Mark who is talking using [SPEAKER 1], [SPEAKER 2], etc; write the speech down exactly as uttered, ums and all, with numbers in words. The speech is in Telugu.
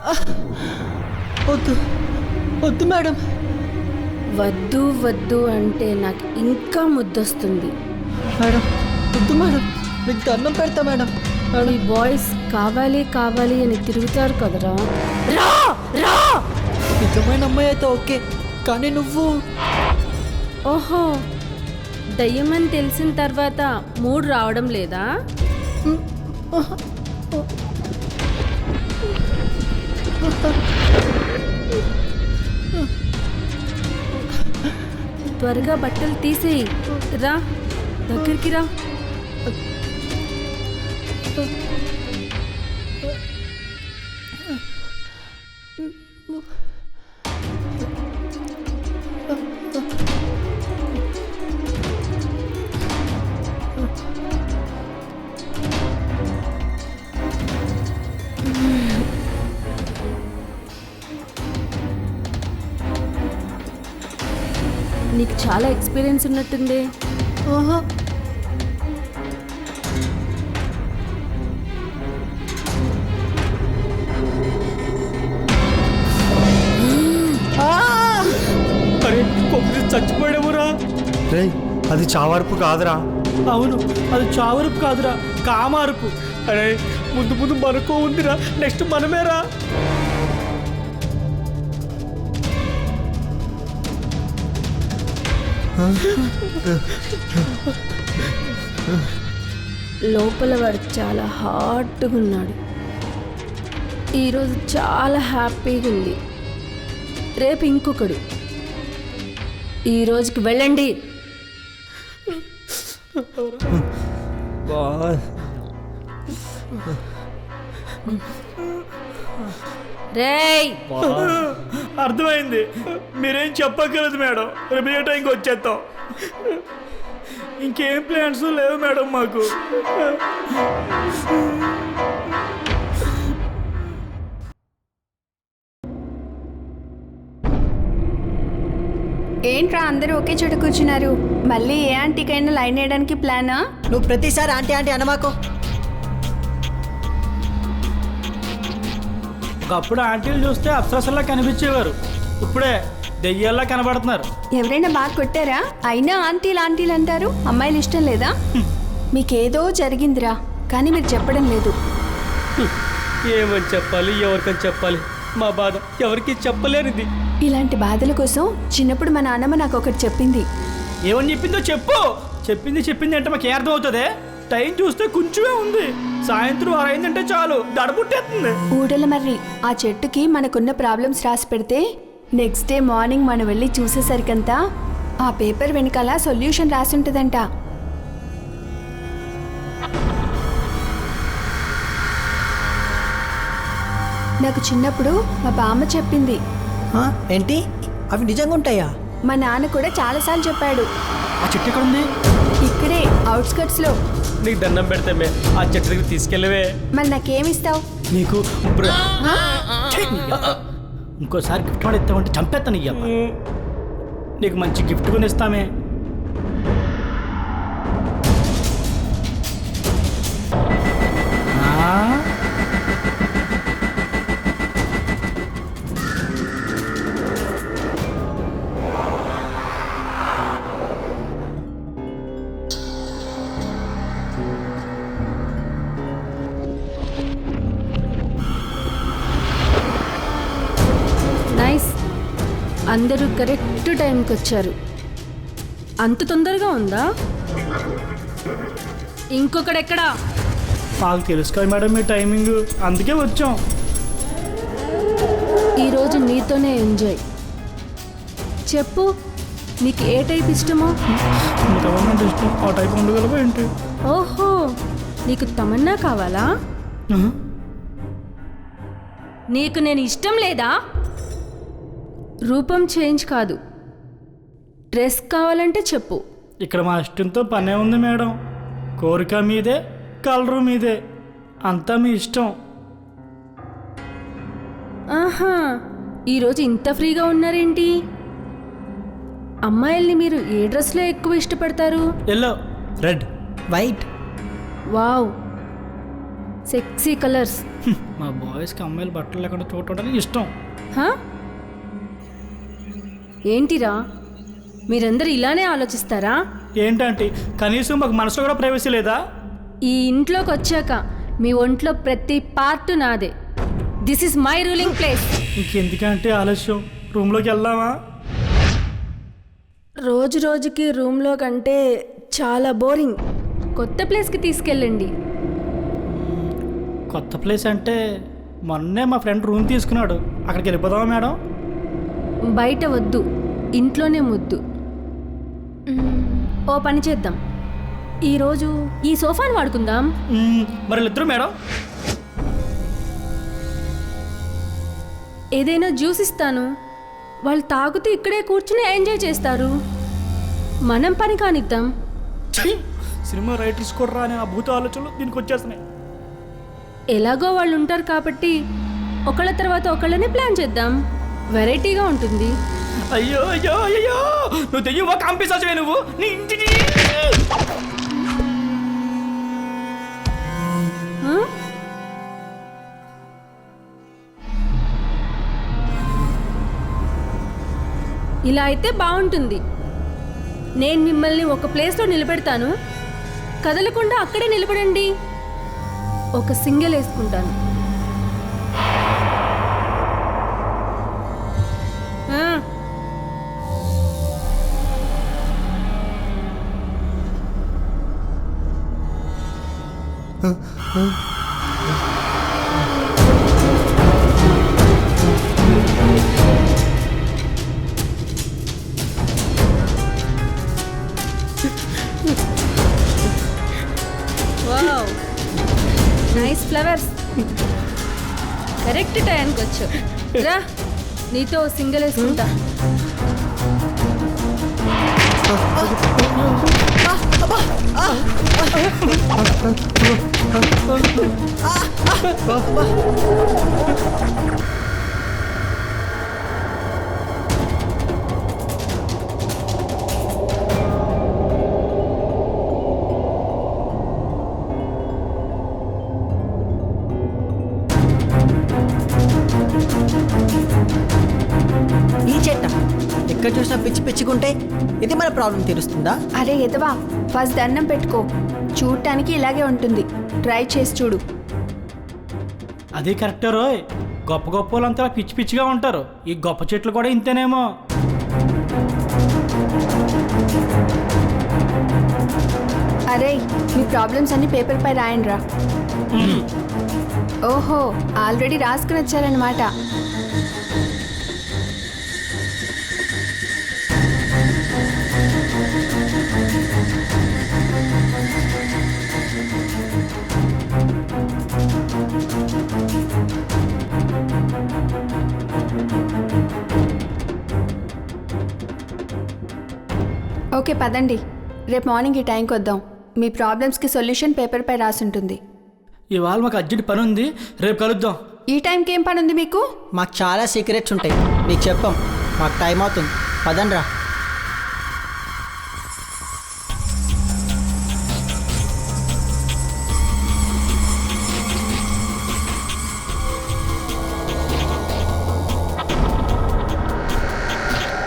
[SPEAKER 1] వద్దు వద్దు మేడం.
[SPEAKER 2] వద్దు వద్దు అంటే నాకు ఇంకా ముద్దొస్తుంది.
[SPEAKER 1] మేడం వద్దు మేడం, మీకు దండం పెడతా మేడం.
[SPEAKER 2] ఈ బాయ్స్ కావాలి కావాలి అని తిరుగుతారు కదరా. రా రా.
[SPEAKER 1] నిజమైన అమ్మాయి అయితే ఓకే, కానీ నువ్వు
[SPEAKER 2] ఓహో, దయ్యమని తెలిసిన తర్వాత మూడు రావడం లేదా? త్వరగా బట్టలు తీసేయి. రా దగ్గరికి రా. నీకు చాలా ఎక్స్పీరియన్స్ ఉన్నట్టుంది.
[SPEAKER 1] ఆహా,
[SPEAKER 3] అరే కొబ్బరి చచ్చిపోయావురా.
[SPEAKER 4] రే అది చావార్పు కాదురా.
[SPEAKER 3] అవును, అది చావరుపు కాదురా, కామారుపు. అరే ముందు ముందు మనకో ఉందిరా, నెక్స్ట్ మనమేరా.
[SPEAKER 2] లోపల వాడు చాలా హాట్గా ఉన్నాడు. ఈరోజు చాలా హ్యాపీగా ఉంది. రేపు ఇంకొకడు. ఈ రోజుకి వెళ్ళండి. రేయ్,
[SPEAKER 3] అర్థమైంది, మీరేం చెప్పగలదు మేడం. రేపు ఏ టైంకి వచ్చేస్తాం. ఇంకేం ప్లాన్స్ లేవు మేడం మాకు.
[SPEAKER 5] ఏంట్రా అందరూ ఒకే చోట కూర్చున్నారు? మళ్ళీ ఏ ఆంటీకైనా లైన్ వేయడానికి ప్లానా?
[SPEAKER 1] నువ్వు ప్రతిసారి ఆంటీ ఆంటీ అనమాకో.
[SPEAKER 3] ఒకప్పుడు ఆంటీలు చూస్తే అప్సరసల్లా కనిపించేవారు, ఇప్పుడే దెయ్యాల్లా కనబడుతున్నారు.
[SPEAKER 5] ఎవరైనా బాగా కొట్టారా? అయినా ఆంటీలు ఆంటీలు అంటారు. అమ్మాయిలు ఇష్టం లేదా? మీకేదో జరిగిందిరా, కానీ మీరు చెప్పడం లేదు.
[SPEAKER 3] ఏమని చెప్పాలి, ఎవరికని చెప్పాలి? మా బాధ ఎవరికి చెప్పలేనిది.
[SPEAKER 5] ఇలాంటి బాధల కోసం చిన్నప్పుడు మా నాన్నమ్మ నాకు ఒకటి చెప్పింది.
[SPEAKER 3] ఏమని చెప్పిందో చెప్పు. చెప్పింది చెప్పింది అంటే మాకు ఏ అర్థం అవుతుంది? టైం చూస్తే కొంచెమే ఉంది, సాయంత్రం ఆరైందంటే చాలు దడబుట్టేస్తుంది.
[SPEAKER 5] ఊడల మర్రి ఆ చెట్టుకి మనకున్న ప్రాబ్లమ్స్ రాసి పెడితే నెక్స్ట్ డే మార్నింగ్ మనం వెళ్ళి చూసేసరికంతా ఆ పేపర్ వెనకాల సొల్యూషన్ రాసి ఉంటుందంట. నాకు చిన్నప్పుడు మా బామ్మ చెప్పింది.
[SPEAKER 1] ఆ, ఏంటి అవి నిజంగా ఉంటాయా?
[SPEAKER 5] మా నాన్న కూడా చాలాసార్లు చెప్పాడు.
[SPEAKER 3] ఆ చెట్టు ఎక్కడ ఉంది?
[SPEAKER 5] ఇక్కడే అవుట్స్కట్స్ లో.
[SPEAKER 3] నీకు దండం పెడితే ఆ చెట్టు దగ్గర తీసుకెళ్ళవే.
[SPEAKER 5] మరి నాకేమిస్తావు?
[SPEAKER 3] నీకు ఇంకోసారి గిఫ్ట్ వాడు ఇస్తామంటే చంపేస్తాను. ఇయ్యమ్మ నీకు మంచి గిఫ్ట్ కొని ఇస్తామే.
[SPEAKER 2] నైస్, అందరూ కరెక్ట్ టైంకి వచ్చారు. అంత తొందరగా ఉందా? ఇంకొకడెక్కడా?
[SPEAKER 3] మాకు తెలుసు కదా మేడం మీ టైమింగ్, అందుకే వచ్చాం.
[SPEAKER 2] ఈరోజు నీతోనే ఎంజాయ్. చెప్పు, నీకు ఏ టైప్ ఇష్టమో?
[SPEAKER 3] గవర్నమెంట్ ఇష్టం, ఆ టైప్ ఉండగలవా ఏంటి?
[SPEAKER 2] ఓహో, నీకు తమన్నా కావాలా? నీకు నేను ఇష్టం లేదా? రూపం చేంజ్ కాదు, డ్రెస్ కావాలంటే చెప్పు.
[SPEAKER 3] ఇక్కడ మా ఇష్టంతో పనే ఉంది మేడం. కోరిక మీదే, కలరు మీదే, అంతా మీ ఇష్టం.
[SPEAKER 2] ఆహా, ఈరోజు ఇంత ఫ్రీగా ఉన్నారేంటి? అమ్మాయిల్ని మీరు ఏ డ్రెస్లో ఎక్కువ ఇష్టపడతారు?
[SPEAKER 3] Yellow,
[SPEAKER 4] red,
[SPEAKER 1] white.
[SPEAKER 2] Wow, sexy colours.
[SPEAKER 3] Hmm, మా బాయ్స్కి అమ్మాయిలు బట్టలు లేకుండా చూడటం ఇష్టం.
[SPEAKER 2] హా? ఏంటిరా మీరందరూ ఇలానే ఆలోచిస్తారా?
[SPEAKER 3] ఏంటంటే కనీసం మాకు మనసులో కూడా ప్రైవసీ లేదా?
[SPEAKER 2] ఈ ఇంట్లోకి వచ్చాక మీ ఒంట్లో ప్రతి పార్ట్ నాదే. This is my ruling place.
[SPEAKER 3] ఇంకెందుకంటే ఆలస్యం, రూమ్లోకి వెళ్దామా?
[SPEAKER 2] రోజు రోజుకి రూమ్లో కంటే చాలా బోరింగ్. కొత్త ప్లేస్కి తీసుకెళ్ళండి.
[SPEAKER 3] కొత్త ప్లేస్ అంటే మొన్నే మా ఫ్రెండ్ రూమ్ తీసుకున్నాడు, అక్కడికి వెళ్ళిపోదామా మేడం?
[SPEAKER 2] బయట వద్దు, ఇంట్లోనే ముద్దు. మ్మ్, ఓ పని చేద్దాం, ఈరోజు ఈ సోఫాని వాడుకుందాం.
[SPEAKER 3] మ్మ్, మరి వీళ్ళిద్దరు మేడం?
[SPEAKER 2] ఏదైనా జ్యూస్ ఇస్తాను, వాళ్ళు తాగుతూ ఇక్కడే కూర్చుని ఎంజాయ్ చేస్తారు. మనం పని కానిద్దాం.
[SPEAKER 3] ఛీ! సినిమా రైటర్స్ కూడా రాని ఆ భూత ఆలోచనలు దీనికి వచ్చేస్తున్నాయి.
[SPEAKER 2] ఎలాగో వాళ్ళు ఉంటారు కాబట్టి ఒకళ్ళ తర్వాత ఒకళ్ళని ప్లాన్ చేద్దాం. వెరైటీగా ఉంటుంది.
[SPEAKER 3] అయ్యో అయ్యో అయ్యో, నువ్వు తెయ్యవా కాంపిసాచవే నువ్వు? నీ ఇంటికి
[SPEAKER 2] ఆ? ఇలా అయితే బాగుంటుంది. నేను మిమ్మల్ని ఒక ప్లేస్లో నిలబెడతాను, కదలకుండా అక్కడే నిలబడండి. ఒక సింగిల్ వేసుకుంటాను. ఆ. Wow, nice flowers. కరెక్ట్ టైంకి వచ్చు. రా, నీతో సింగిల్ వేసుకుంటా.
[SPEAKER 1] ఈ చెట్ట ఎక్కడ చూసినా పిచ్చి పిచ్చుకుంటే ఇది మన ప్రాబ్లం తీరుస్తుందా?
[SPEAKER 5] అరే ఎదవా, ఫస్ట్ దండం పెట్టుకో. చూడటానికి ఇలాగే ఉంటుంది, ట్రై చేసి చూడు.
[SPEAKER 3] అది కరెక్టే రోయ్, గొప్ప గొప్ప వాళ్ళంతా పిచ్చి పిచ్చిగా ఉంటారు. ఈ గొప్ప చెట్లు కూడా ఇంతేనేమో.
[SPEAKER 5] అరే, మీ ప్రాబ్లమ్స్ అన్ని పేపర్ పై రాయండి రా. ఓహో, ఆల్రెడీ రాసుకుని వచ్చారనమాట. ఓకే పదండి, రేపు మార్నింగ్ ఈ టైంకి వద్దాం. మీ ప్రాబ్లమ్స్కి సొల్యూషన్ పేపర్ పై రాసి ఉంటుంది.
[SPEAKER 3] ఇవాళ మాకు అర్జెంట్ పని ఉంది, రేపు కలుద్దాం.
[SPEAKER 5] ఈ టైంకి ఏం పని ఉంది మీకు?
[SPEAKER 1] మాకు చాలా సీక్రెట్స్ ఉంటాయి, మీకు చెప్పాం. మాకు టైం అవుతుంది, పదండ్రా.